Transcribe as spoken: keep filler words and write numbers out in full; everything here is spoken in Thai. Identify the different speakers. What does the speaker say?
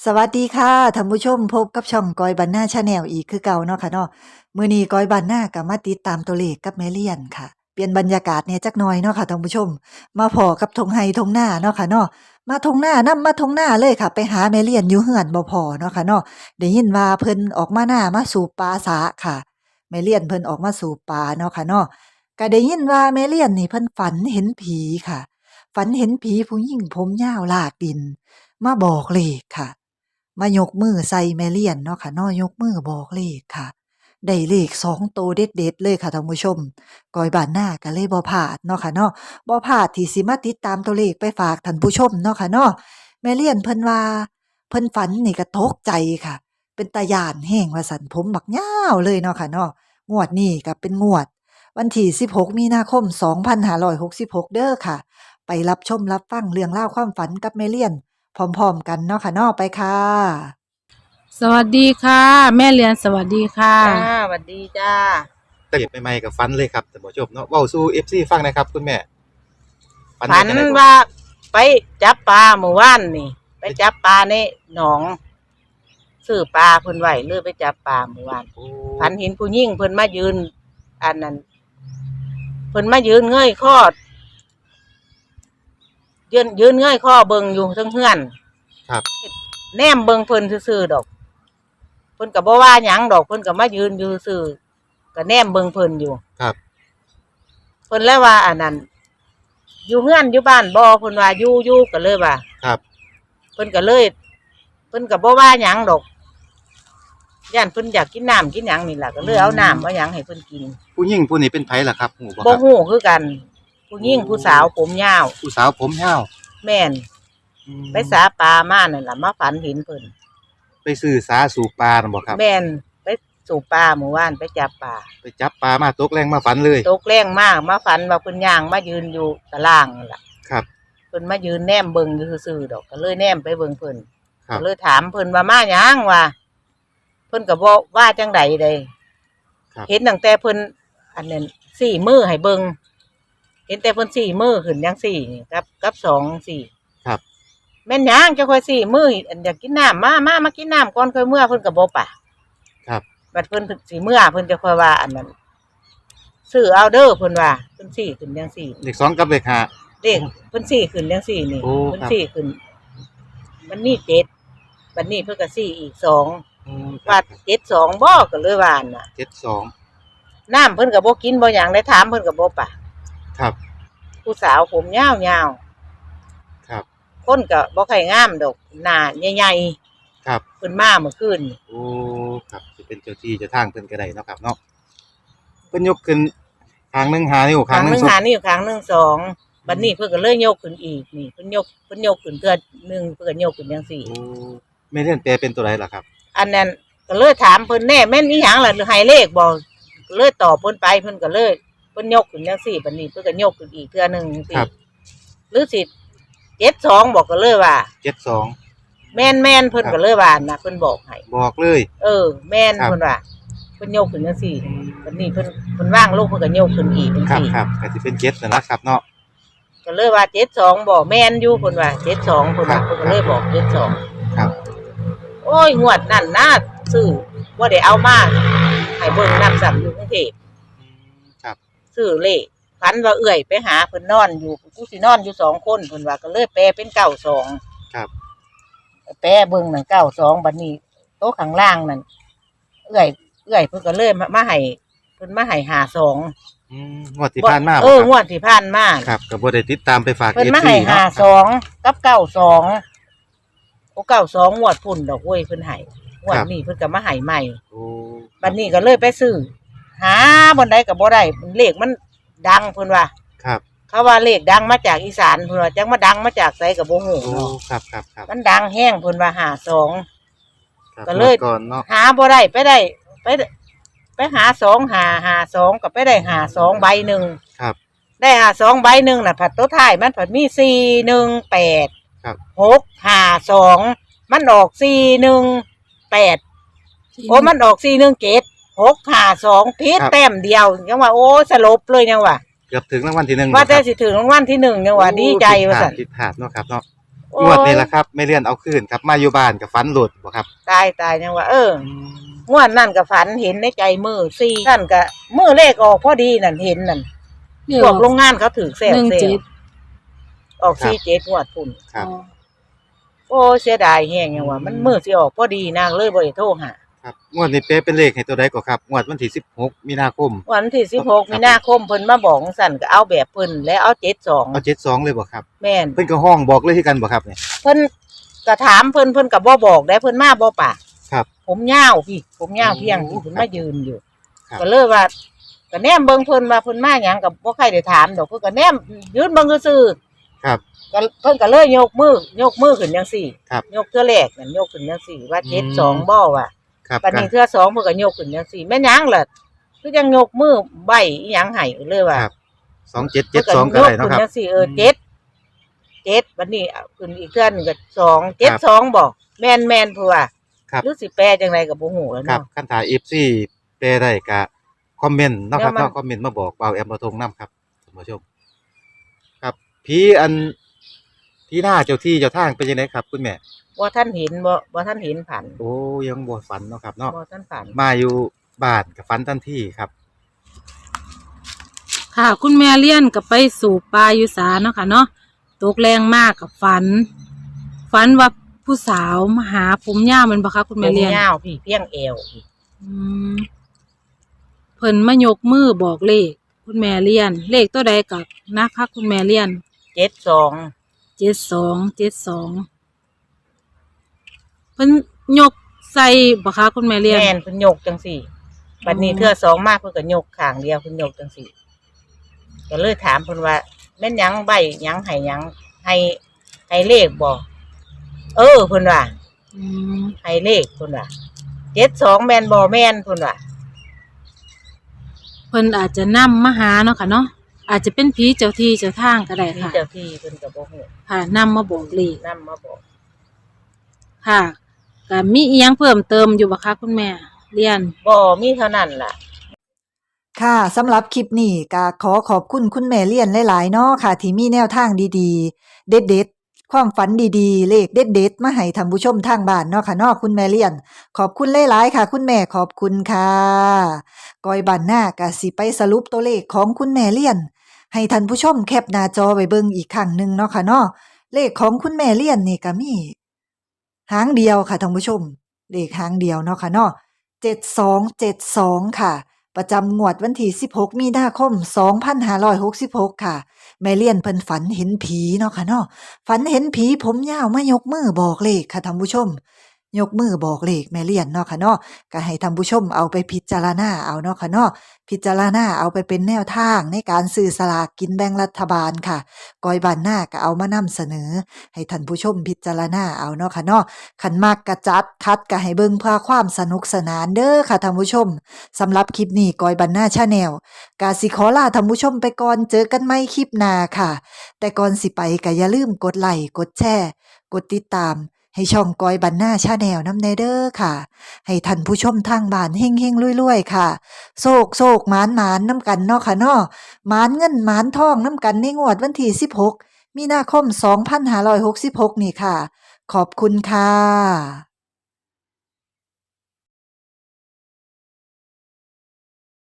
Speaker 1: สวัสดีค่ะท่านผู้ชมพบกับช่องกอยบันหน้าชาแนลอีกคือเก่าเนาะค่ะเนาะมื้อนี้กอยบันหน้าก็มาติดตามตัวเลขกับแม่เลียนค่ะเปลี่ยนบรรยากาศแหน่จักหน่อยเนาะค่ะท่านผู้ชมมาพ้อกับทงไห้ทงนาเนาะค่ะเนาะมาทงนานำมาทงนาเลยค่ะไปหาแม่เลียนอยู่เฮือนบ่พ้อเนาะค่ะเนาะได้ยินว่าเพิ่นออกมานามาสูบปลาสาค่ะแม่เลียนเพิ่นออกมาสูบปลาเนาะค่ะเนาะก็ได้ยินว่าแม่เลียนนี่เพิ่นฝันเห็นผีค่ะฝันเห็นผีผู้หญิงผมยาวลากดินมาบอกเลขค่ะ มายกมือใส่แม่เลียนเนาะค่ะเนาะยกมือบอกเลขค่ะได้เลขสองโตวเด็ดๆเลยค่ะท่านผู้ชมกอยบ้านนาก็เลยบ่พลาดเนาะค่ะเนาะบ่พลาดที่สิมาติดตามตัวเลขไปฝากท่านผู้ชมเนาะค่ะเนาะแม่เลียนเพิ่นว่าเพิ่นฝันนี่ก็ตกใจค่ะ เป็นตาย้านแฮงว่าซั่นผมบักยาวเลยเนาะค่ะเนาะงวดนี้ก็เป็นงวดวันที่สิบหกมีนาคมสองพันห้าร้อยหกสิบหกเด้อค่ะไปรับชมรับฟังเรื่องราวความฝันกับแม่เลียน พร้อมๆกันเนาะค่ะเนาะไปค่ะ
Speaker 2: สวัสดีค่ะแม่เรียนสวัสดีค่ะ
Speaker 3: จ้าสวัสดีจ้า
Speaker 4: เก็บใหม่ๆกับฟันเลยครับท่านผู้ชมเนาะเว้าสู่ เอฟ ซี ฟังหนะครับคุณแม่
Speaker 3: ฝัน
Speaker 4: ว่าจั่งใดบ่
Speaker 3: ว่าไปจับปลาเมื่อวานนี่ ไปจับปลาในหนองซื้อปลาเพิ่นไว้เลยไปจับปลาเมื่อวาน
Speaker 4: โอ้
Speaker 3: ฝันเห็นผู้หญิงเพิ่นมายืน อันนั้นเพิ่นมายืนเงยคอยืนยืนเงยคอเบิ่งอยู่เทั้งเฮือน
Speaker 4: ครับ
Speaker 3: แนมเบิ่งเพิ่นซื่อๆดอกเพิ่นก็บ่ว่าหยังดอกเพิ่นก็มายืนอยู่ซื่อก็แนมเบิ่งเพิ่นอยู่
Speaker 4: ครับ
Speaker 3: เพิ่นแล้วว่าอันนั้นอยู่เฮือนอยู่บ้านบ่เพิ่นว่าอยู่อยู่ก็เลยว่า
Speaker 4: ครับ
Speaker 3: เพิ่นก็เลยเพิ่นก็บ่ว่าหยังดอกย่านเพิ่นอยากกินน้ำกินหยังนี่ล่ะก็เลยเอาน้ำเอาหยังให้เพิ่นกิน
Speaker 4: ผู้หญิงผู้นี้เป็นไผล่ะครับฮู้บ่ค
Speaker 3: บ่
Speaker 4: รับ
Speaker 3: ฮู้คือกันผู้หญิงผู้สาวผมยาว
Speaker 4: ผู้สาวผมยาว
Speaker 3: แม่นไปสาปลามานั่นล่ะมาฝันเห็นเพิ่น
Speaker 4: ไปซื้อสาสูบปลาน่ะบ่ครับ
Speaker 3: แม่นไปสู่ปลาเมื่อวานไปจับปลา
Speaker 4: ไปจับปลามาตกแรงมาฝันเลย
Speaker 3: ตกแรงมากมาฝันว่าเพิ่นย่างมายืนอยู่ตะล่างนั่นล่ะ
Speaker 4: ครับ
Speaker 3: เพิ่นมายืนแนมเบิ่งอยู่ซื่อๆดอกก็เลยแนมไปเบิ่งเพิ่น
Speaker 4: ครับ
Speaker 3: ก็เลยถามเพิ่นว่ามาหยังว่าเพิ่นก็บ่ว่าจังใดเด้เห็นตั้งแต่เพิ่นอันนั้นสี่มือให้เบิ่งเห็นแต่เพิ่นสี่มือขึ้นจังสี่นี่กับกับสองสี่
Speaker 4: ครับ
Speaker 3: แม่นหยังจะค่อยสี่มืออันอยากกินน้ำมามามากินน้ำก่อนค่อยเมื่อเพิ่นก็บ่ปาก
Speaker 4: ครับ
Speaker 3: บัดเพิ่นสิเมื่อเพิ่นจะค่อยว่าอันนั้นซื้อเอาเด้อเพิ่นว่าเพิ่นสี่ขึ้นจังสี่
Speaker 4: เลขสองกับเลขห้า
Speaker 3: เลขเพิ่นสี่ขึ้นจังสี่นี่เพิ่นสี่ขึ้นมันมีเจ็ดบัดนี้เพิ่นก็สี่อีกสองว่าเจ็ดสองบ่ก็เลยว่าน่ะ
Speaker 4: เจ็ดสอง
Speaker 3: น้ำเพิ่นก็บ่กินบ่หยังได้ถามเพิ่นก็บ่ปาก
Speaker 4: ครับ
Speaker 3: ผู้สาวผมยาว
Speaker 4: ๆครับ
Speaker 3: คนก็บ่ค่อยงามดอกหน้าใหญ่
Speaker 4: ๆครับ
Speaker 3: เพิ่นมาเมื่อคืน
Speaker 4: โอ้ครับสิเป็นเจ้าที่เจ้าทางเพิ่นก็ได้เนาะครับเนาะเพิ่นยกขึ้นข้างหนึงห้านิ้วข้างหนึง
Speaker 3: หานิ้วข้างหนึงสองบัดนี้เพิ่นก็เลยยกขึ้นอีกนี่เพิ่นยกเพิ่นยกขึ้นเทื่อนึงเพิ่นก็ยกขึ้นจังซี่
Speaker 4: โอ้แม่เรียนแปลเป็นตัวใดล่ะครับ
Speaker 3: อันนั้นก็เลยถามเพิ่นแน่แม่นอีหยังล่ะหรือให้เลขบ่ก็เลยตอบเพิ่นไปเพิ่นก็เลยเพิ่นยกขึ้นจังซี่บัดนี้เพิ่นก็ยกขึ้นอีกเทื่อนึงจังซี่หรือสิเจ็ดสองบอกก็เลยว่า
Speaker 4: เจ็ดสอง
Speaker 3: แม่นแม่นเพิ่นก็เลยว่านะเพิ่นบอกให้
Speaker 4: บอกเลย
Speaker 3: เออแม่นเพิ่นว่าเพิ่นยกขึ้นจังซี่บัดนี้เพิ่นเพิ่นว่างลงเพิ่นก็ยกขึ้นอีกจังซี่
Speaker 4: ครับๆก็สิเป็นเจ็ดนั่นล่ะครับเนาะ
Speaker 3: ก็เลยว่าเจ็ดสองบอกแม่นอยู่เพิ่นว่าเจ็ดสองเพิ่นว่าเพิ่นก็เลยบอกเจ็ดสอง
Speaker 4: ครับ
Speaker 3: โอ้ยงวดนั่นนะซื้อบ่ได้เอามาให้เบิ่งนำซ้ํอยู่กรุงเทพ
Speaker 4: ครับ
Speaker 3: ซื้อเลขฝันว่าเอื้อยไปหาเพิ่นนอนอยู่กูสินอนอยู่สองคนเพิ่นว่าก็เลยแปลเป็นเก้าสอง
Speaker 4: ครับ
Speaker 3: แปลเบิ่งนั่นเก้าสองบัดนี้โต๊ะข้างล่างนั่นเอื้อยเอื้อยเพิ่นก็เลยมาให้เพิ่นมาให้ห้าสอง
Speaker 4: อืมงวดที่ผ่านมา
Speaker 3: เอองวดที่ผ่านมา
Speaker 4: ครับก็บ่ได้ติดตามไปฝาก
Speaker 3: เพิ่นมาให้ห้าสองกับเก้าสองโอ้เก้าสองงวดพุ่นดอกเว้ยเพิ่นให้งวดนี้เพิ่นก็มาให้ใหม่
Speaker 4: โอ้
Speaker 3: บัดนี้ก็เลยไปซื้อหาบ่ได้ก็บ่ได้เลขมันดังเพิ่นว่า
Speaker 4: ครับ
Speaker 3: เขาว่าเลขดังมาจากอีสานเพิ่นว่าจังมาดังมาจากไสก็บ่ฮู้
Speaker 4: โอ้ครับๆๆ
Speaker 3: มันดังแฮงเพิ่นว่าห้าสองก็เลย
Speaker 4: ก่อนเนาะ
Speaker 3: หาบ่ได้ไปได้ไปไปหาสองหาหาสองก็ไปได้หาสองใบหนึ่ง
Speaker 4: ครับ
Speaker 3: ได้หาสองใบหนึ่งน่ะผัดตัวท้ายมันผัดมีสี่หนึ่งแปด
Speaker 4: ครับ
Speaker 3: หกห้าสองมันออกสี่หนึ่งแปดโอ้มันออกสี่หนึ่งเจ็ดหกห้าสองพิษแต้มเดียวยังว่าโอ้สลบเลยยังว่า
Speaker 4: เกือบถึงรางวัลที่หนึ่ง
Speaker 3: ว่าแต่สิถึงรางวัลที่หนึ่งยังว่าดีใจว่าซั่น
Speaker 4: ผิดพลาดเนาะครับเนาะ
Speaker 3: เโอ้
Speaker 4: งวดนี้
Speaker 3: ย
Speaker 4: ล่ะครับแม่เลียนเอาคืนครับมาอยู่บ้านก็ฝันโลดบ่ครับ
Speaker 3: ตายตายยังว่าเออ งวดนั่นก็ฝันเห็นในใจมือสี่ท่านก็มือเลขออกพอดีนั่นเห็นนั่น
Speaker 2: เดี๋ย
Speaker 3: พ
Speaker 2: ว
Speaker 3: วกโรงงานเขาถือเซล
Speaker 2: หนึ่ง
Speaker 3: เซ
Speaker 2: เจ็
Speaker 3: ล
Speaker 2: ด
Speaker 3: ออกสี่เจ็ดงวดพุ่น
Speaker 4: ครับ
Speaker 3: โอ้เสียดายแฮงยังว่า มันมือสิออกพอดีนางเลยบ่ได้โทรหา
Speaker 4: ครับงวดนี้เป๊ะเป็นเลขให้ตัวใดก็ครับงวดวันที่สิบหกมีนาคม
Speaker 3: วันที่สิบหก
Speaker 4: ครับ
Speaker 3: มีนาคมเพิ่นมาบอกสั่นก็เอาแบบเพิ่นแล้วเอาเจ็ดสอง
Speaker 4: เอาเจ็ดสองเลยบ่ครับ
Speaker 3: แม่น
Speaker 4: เพิ่นก็ห้องบอกเลยคือกันบ่ครับเนี่ย
Speaker 3: เพิ่นก็ถามเพิ่นเพิ่นก็บ่บอกได้เพิ่นมาบ่ปาก
Speaker 4: ครับ
Speaker 3: ผมยาวพี่ ผมยาวเพียง
Speaker 4: โอ้
Speaker 3: พี่เพิ่น
Speaker 4: ครับ
Speaker 3: มายืนอยู่
Speaker 4: ครับ
Speaker 3: ก็เลยว่าก็แนมเบิ่งเพิ่นว่าเพิ่นมาหยังก็บ่ใครได้ถามดอกเพิ่นก็แนมยืนเบิ่งซื่อ
Speaker 4: ครับ
Speaker 3: ๆก็เพิ่นก็เลยยกมือยกมือขึ้นจังซี่
Speaker 4: ครับ
Speaker 3: ยกเทื่อแรกนั่นยกขึ้นจังซี่ว่า
Speaker 4: อืม
Speaker 3: เจ็ดสองบ่ว่า
Speaker 4: ครับ
Speaker 3: บัดนี้เทื่อสองเพิ่นก็ยกขึ้นจังซี่แม่นหยังล่ะคือจังยกมือใบอีหยังให้เลยว่า
Speaker 4: ครับสองเจ็ดเจ็ดสองก็ได้เนาะครับ
Speaker 3: พิ่นก็ยกขึ้นจังซี่เออเจ็ดเจ็ดบัดนี้เอาขึ้นอีกเทื่อหนึงก็สองเจ็ดสองบ่แม่นแม่นผู้ว่า
Speaker 4: ครับ
Speaker 3: หรือสิแปลจังไดก็บ่ฮู้แล้ว
Speaker 4: ครับ
Speaker 3: เนาะ
Speaker 4: คันถ่าย เอฟ ซี แปลได้ก็คอมเมนต์เนาะครับ
Speaker 3: เดี๋ยวมัน
Speaker 4: เนาะคอมเมนต์มาบอกเบาแอมบ่ทงนํครับท่านผู้ชม ครับผีอันที่หน้าเจ้าที่เจ้าทางเป็นจังไดครับคุณแม่
Speaker 3: บ่ท่านเห็นบ่บ่ท่านเห็นผัน
Speaker 4: โอ้ยังบ่ฝันเนาะครับเนาะ
Speaker 3: บ่ท่านผัน
Speaker 4: มาอยู่บ้านก็ฝันทันทีครับ
Speaker 2: ค่ะ คุณแม่เลี้ยนก็ไปสู่ปลาอยู่สาเนาะค่ะเนาะตกแรงมากกับฝัน ฝันว่าผู้สาวมาหาผมยาวแมันบ่คะคุณ
Speaker 3: ผ
Speaker 2: แม่
Speaker 3: ม
Speaker 2: เลี้ยน
Speaker 3: ยาวพี่เพียงเอวพี่
Speaker 2: อืมเพิ่นมายกมือบอกเลข คุณแม่เลี้ยน เลขตัวใดกับนะคะคุณแม่เลี้ยน
Speaker 3: เจ็ดสอง
Speaker 2: เจ็ดสองเจ็ดสองเพิ่นยกใส่บ่คะคุณแม่เลี้ยน
Speaker 3: แม่นเพิ่นยกจังซี่บัดนี้
Speaker 2: อ๋อ
Speaker 3: เทื่อสองมากเพิ่นก็ยกข้างเดียวเพิ่นยกจังซี่ก็เลยถามเพิ่นว่าแม่นหยังใบหยังให้หยังให้ให้เลขบ่เออเพิ่นว่า
Speaker 2: อืม
Speaker 3: ให้เลขเพิ่นว่าเจ็ดสองแม่นบ่แม่นเพิ่นว่า
Speaker 2: เพิ่นอาจจะนำมาหาเนาะค่ะเนาะอาจจะเป็นผีเจ้าที่เจ้าทางก็ได้
Speaker 3: ที่
Speaker 2: ค่ะ
Speaker 3: เจ้าที่เพิ่นก็บ่ฮู้
Speaker 2: ค่ะนำมาบอกเลข
Speaker 3: นำมาบอก
Speaker 2: ค่ะก็มีอีหยังเพิ่มเติมอยู่บ่คะคุณแม่เรียน
Speaker 3: บ่มีเท่านั้นล่ะ
Speaker 1: ค่ะสำหรับคลิปนี้ก็ขอขอบคุณคุณแม่เลี่ยนหลายๆเนาะค่ะ ที่มีแนวทางดีๆ เด็ดๆ ความฝันดีๆ เลขเด็ดๆ มาให้ท่านผู้ชมทางบ้านเนาะค่ะเนาะคุณแม่เลี่ยน ขอบคุณหลายๆค่ะ คุณแม่ขอบคุณค่ะกอยบันหน้าก็สิไปสรุปตัวเลขของคุณแม่เลี่ยน ให้ท่านผู้ชมแคปหน้าจอไว้เบิ่งอีกครั้งหนึ่งเนาะค่ะเนาะเลขของคุณแม่เลี่ยนนี่ก็มีหางเดียวค่ะท่านผู้ชม เลขหางเดียวเนาะค่ะเนาะเจ็ดสองเจ็ดสองค่ะ ประจำงวดวันที่สิบหกมีนาคมสองพันห้าร้อยหกสิบหกค่ะ แม่เลี่ยนเพิ่นฝันเห็นผีเนาะค่ะเนาะฝันเห็นผีผมยาวมายกมือบอกเลขค่ะท่านผู้ชม ยกมือบอกเลขแม่เลี่ยนเนาะค่ะเนาะก็ให้ท่านผู้ชมเอาไปพิจารณาเอาเนาะค่ะเนาะพิจารณาเอาไปเป็นแนวทางในการซื้อสลากกินแบ่งรัฐบาลค่ะกอยบานหน้าก็เอามานำเสนอ ให้ท่านผู้ชมพิจารณาเอาเนาะค่ะเนาะคันมากกระจัดคัดก็ให้เบิ่งเพื่อความสนุกสนานเด้อค่ะท่านผู้ชมสำหรับคลิปนี้กอยบันหน้าชาแนลกาสิขอลาท่านผู้ชมไปก่อนเจอกันใหม่คลิปหน้าค่ะ แต่ก่อนสิไปก็อย่าลืมกดไลค์กดแชร์กดติดตาม ให้ช่องกอยบันหน้าชาแนลน้ำแนเด้อค่ะ ให้ท่านผู้ชมทางบ้านเฮงเฮงรวยๆ ค่ะโศกโศกหมานหมานน้ำกันเนาะค่ะเนาะหมานเงินหมานทองน้ำกันในงวดวันที่สิบหกมีนาคมสองพันห้าร้อยหกสิบหกนี่ค่ะ ขอบคุณค่ะ